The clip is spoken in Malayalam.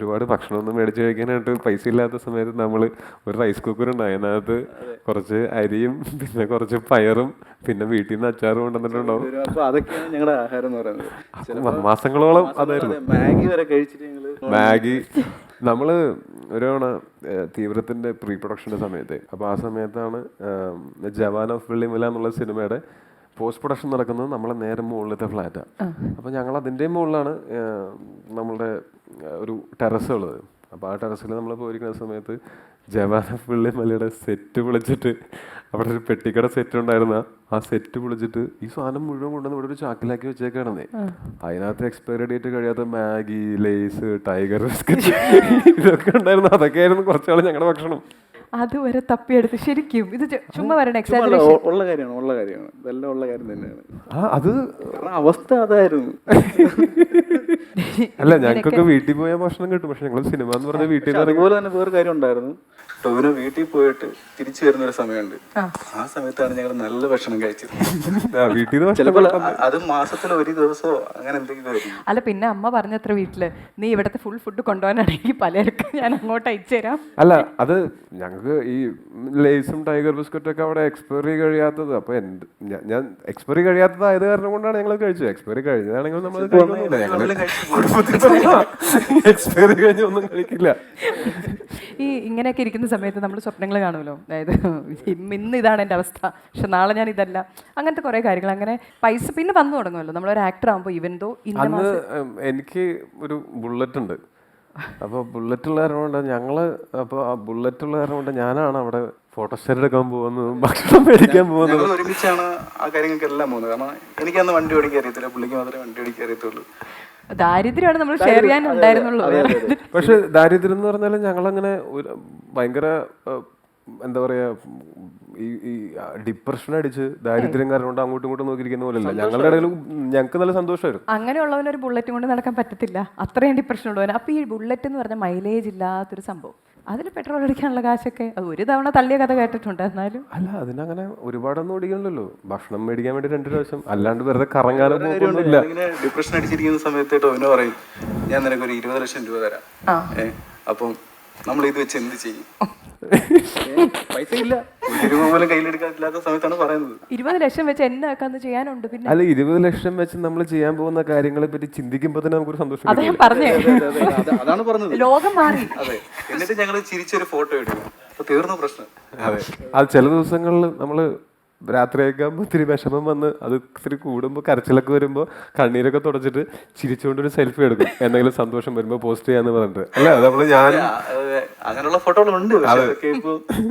ഒരുപാട് ഭക്ഷണമൊന്നും മേടിച്ച് കഴിക്കാനായിട്ട് പൈസ ഇല്ലാത്ത സമയത്ത് നമ്മൾ ഒരു റൈസ് കുക്കർ ഉണ്ടായി, അതിനകത്ത് കുറച്ച് അരിയും പിന്നെ കുറച്ച് പയറും പിന്നെ വീട്ടിൽ നിന്ന് അച്ചാറും കൊണ്ടുവന്നിട്ടുണ്ടാവും. അപ്പൊ അതൊക്കെയാണ് ഞങ്ങളുടെ ആഹാരം എന്ന് പറയുന്നത്. മാസങ്ങളോളം അതായിരുന്നു. മാഗി വരെ കഴിച്ചിട്ട് ഞങ്ങള് മാഗി നമ്മള് ഒരു തവണ തീവ്രത്തിന്റെ പ്രീ പ്രൊഡക്ഷന്റെ സമയത്ത്, അപ്പൊ ആ സമയത്താണ് ജവാൻ ഓഫ് വെള്ളിമല എന്നുള്ള സിനിമയുടെ പോസ്റ്റ് പ്രൊഡക്ഷൻ നടക്കുന്നത് നമ്മളെ നേരെ മുകളിലത്തെ ഫ്ലാറ്റാണ്. അപ്പോൾ ഞങ്ങൾ അതിൻ്റെ മുകളിലാണ് നമ്മളുടെ ഒരു ടെറസ് ഉള്ളത്. അപ്പോൾ ആ ടെറസിൽ നമ്മൾ പോയിരിക്കുന്ന സമയത്ത് ജവാൻ ഓഫ് വെള്ളിമലയുടെ സെറ്റ് പൊളിച്ചിട്ട്, അവിടെ ഒരു പെട്ടിക്കട സെറ്റ് ഉണ്ടായിരുന്ന ആ സെറ്റ് പൊളിച്ചിട്ട് ഈ സാധനം മുഴുവൻ കൊണ്ടുവന്ന് ഇവിടെ ഒരു ചാക്കിലാക്കി വെച്ചേക്കാണെന്നേ. അതിനകത്ത് എക്സ്പയറി ഡേറ്റ് കഴിയാത്ത മാഗി, ലേസ്, ടൈഗർ ബിസ്ക്കറ്റ് ഇതൊക്കെ ഉണ്ടായിരുന്നു. അതൊക്കെയായിരുന്നു കുറച്ചാൾ ഞങ്ങളുടെ ഭക്ഷണം. അതുവരെ തപ്പിയെടുത്ത് ശരിക്കും ഇത് ചുമ്മാ വരണ ഉള്ള കാര്യമാണ് ഇതെല്ലാം ഉള്ള കാര്യം തന്നെയാണ്. അത് അവസ്ഥ അതായിരുന്നു. അല്ല, ഞങ്ങൾക്കൊക്കെ വീട്ടിൽ പോയാൽ ഭക്ഷണം കിട്ടും, പക്ഷെ ഞങ്ങൾ സിനിമ എന്ന് പറഞ്ഞ വീട്ടിൽ നിന്ന് അതുപോലെ തന്നെ വേറെ കാര്യം ഉണ്ടായിരുന്നു. ടോവിനോ വീട്ടിൽ പോയിട്ട് തിരിച്ചു വരുന്ന ഒരു സമയമുണ്ട്. ആ സമയത്താണ് ഞങ്ങൾ നല്ല ഭക്ഷണം കഴിച്ചത്. വീട്ടിൽ ചിലപ്പോൾ അത് മാസത്തിൽ ഒരു ദിവസമോ അങ്ങനെ എന്തെങ്കിലും ആയിരിക്കും. അല്ല, പിന്നെ അമ്മ പറഞ്ഞത്ര വീട്ടില് നീ ഇവിടത്തെ ഫുൾ ഫുഡ് കൊണ്ടുപോകാനാണെങ്കിൽ പലർക്കും ഞാൻ അങ്ങോട്ട് അയച്ചു തരാം. അല്ല, അത് ഞങ്ങൾക്ക് ഈ ലേസും ടൈഗർ ബിസ്ക്കറ്റും ഒക്കെ അവിടെ എക്സ്പയറി കഴിയാത്തത്. അപ്പൊ ഞാൻ എക്സ്പയറി കഴിയാത്തതായത് കാരണം കൊണ്ടാണ് ഞങ്ങൾ കഴിച്ചത്. എക്സ്പയറി കഴിഞ്ഞതാണെങ്കിൽ നമ്മൾ എക്സ്പയറി കഴിഞ്ഞ ഒന്നും കഴിക്കില്ല. ഈ ഇങ്ങനെയൊക്കെ ഇരിക്കുന്ന സമയത്ത് നമ്മൾ സ്വപ്നങ്ങൾ കാണുമല്ലോ, അതായത് ഇന്ന് ഇതാണ് എൻ്റെ അവസ്ഥ, പക്ഷെ നാളെ ഞാൻ ഇതല്ല, അങ്ങനത്തെ കുറേ കാര്യങ്ങൾ. അങ്ങനെ പൈസ പിന്നെ വന്നു തുടങ്ങുമല്ലോ നമ്മളൊരു ആക്ടർ ആകുമ്പോൾ. ഇവൻ ദോ അന്ന് എനിക്ക് ഒരു ബുള്ളറ്റ് ഉണ്ട്. അപ്പോൾ ബുള്ളറ്റുള്ള കാരണം കൊണ്ട് അപ്പോൾ ആ ബുള്ളറ്റുള്ള കാരണം കൊണ്ട് ഞാനാണ് അവിടെ ഫോട്ടോസ്റ്റാറ്റ് എടുക്കാൻ പോകുന്നതും ഭക്ഷണം മേടിക്കാൻ പോകുന്നതും. ഒരുമിച്ചാണ് ആ കാര്യങ്ങൾക്കെല്ലാം പോകുന്നത്. കാരണം എനിക്കന്ന് വണ്ടി ഓടിക്കാൻ അറിയത്തില്ല, പുള്ളിക്ക് മാത്രമേ വണ്ടി ഓടിക്കാൻ അറിയത്തുള്ളൂ. ദാരിദ്ര്യമാണ് നമ്മൾ ഷെയർ ചെയ്യാൻ ഉണ്ടായിരുന്നുള്ളൂ. പക്ഷെ ദാരിദ്ര്യം എന്ന് പറഞ്ഞാൽ ഞങ്ങളങ്ങനെ ഭയങ്കര എന്താ പറയാ, ഈ ഡിപ്രഷൻ അടിച്ച് ദാരിദ്ര്യം കാരണം കൊണ്ട് അങ്ങോട്ടും ഇങ്ങോട്ടും നോക്കിയിരിക്കുന്ന പോലെയല്ല. ഞങ്ങളുടെ ഇടയിൽ ഞങ്ങൾക്ക് നല്ല സന്തോഷമായിരുന്നു. അങ്ങനെയുള്ളവനൊരു ബുള്ളറ്റ് കൊണ്ട് നടക്കാൻ പറ്റത്തില്ല, അത്രയും ഡിപ്രഷൻ ഉള്ളവൻ. അപ്പോൾ ഈ ബുള്ളറ്റ് എന്ന് പറഞ്ഞാൽ മൈലേജ് ഇല്ലാത്തൊരു സംഭവം, അതിൽ പെട്രോൾ അടിക്കാനുള്ള കാശൊക്കെ അത് ഒരു തവണ തള്ളിയ കഥ കേട്ടിട്ടുണ്ട്. എന്നാലും അല്ല, അതിനങ്ങനെ ഒരുപാടൊന്നും ഓടിക്കണല്ലോ. ഭക്ഷണം മേടിക്കാൻ വേണ്ടി 2 പ്രാവശ്യം, അല്ലാണ്ട് വെറുതെ കറങ്ങാനോ പോകുന്നില്ല. ഡിപ്രഷൻ അടിച്ചിരിക്കുന്ന സമയത്ത് ടോവിനോ പറയും, ഞാൻ നിനക്ക് ഒരു 20 ലക്ഷം രൂപ തരാം, അപ്പം നമ്മൾ ഇത് വെച്ച് എന്ത് ചെയ്യും? പൈസ ഇല്ല, പോലും കയ്യിലെടുക്കാത്ത സമയത്താണ് പറയുന്നത്. 20 ലക്ഷം വെച്ച് എന്നാക്കാന്ന് ചെയ്യാനുണ്ട്. പിന്നെ അല്ല, 20 ലക്ഷം വെച്ച് നമ്മൾ ചെയ്യാൻ പോകുന്ന കാര്യങ്ങളെ പറ്റി ചിന്തിക്കുമ്പോൾ തന്നെ നമുക്കൊരു സന്തോഷം. അതാണ് പറഞ്ഞത്, ലോകം മാറി. അതെ, എന്നിട്ട് ഞങ്ങൾ ചിരിച്ചൊരു ഫോട്ടോ എടുക്കും, അപ്പൊ തീർന്നു പ്രശ്നം. അതെ, അത് ചില ദിവസങ്ങളിൽ നമ്മള് രാത്രിയൊക്കെ ആകുമ്പോൾ ഇത്തിരി വിഷമം വന്ന് അത് ഇത്തിരി കൂടുമ്പോൾ കരച്ചിലൊക്കെ വരുമ്പോൾ കണ്ണീരൊക്കെ തുടച്ചിട്ട് ചിരിച്ചുകൊണ്ടൊരു സെൽഫി എടുക്കും, എന്തെങ്കിലും സന്തോഷം വരുമ്പോൾ പോസ്റ്റ് ചെയ്യാന്ന് പറഞ്ഞിട്ട്. അല്ല, അത് നമ്മള് ഞാൻ അങ്ങനെയുള്ള ഫോട്ടോകളുണ്ട്.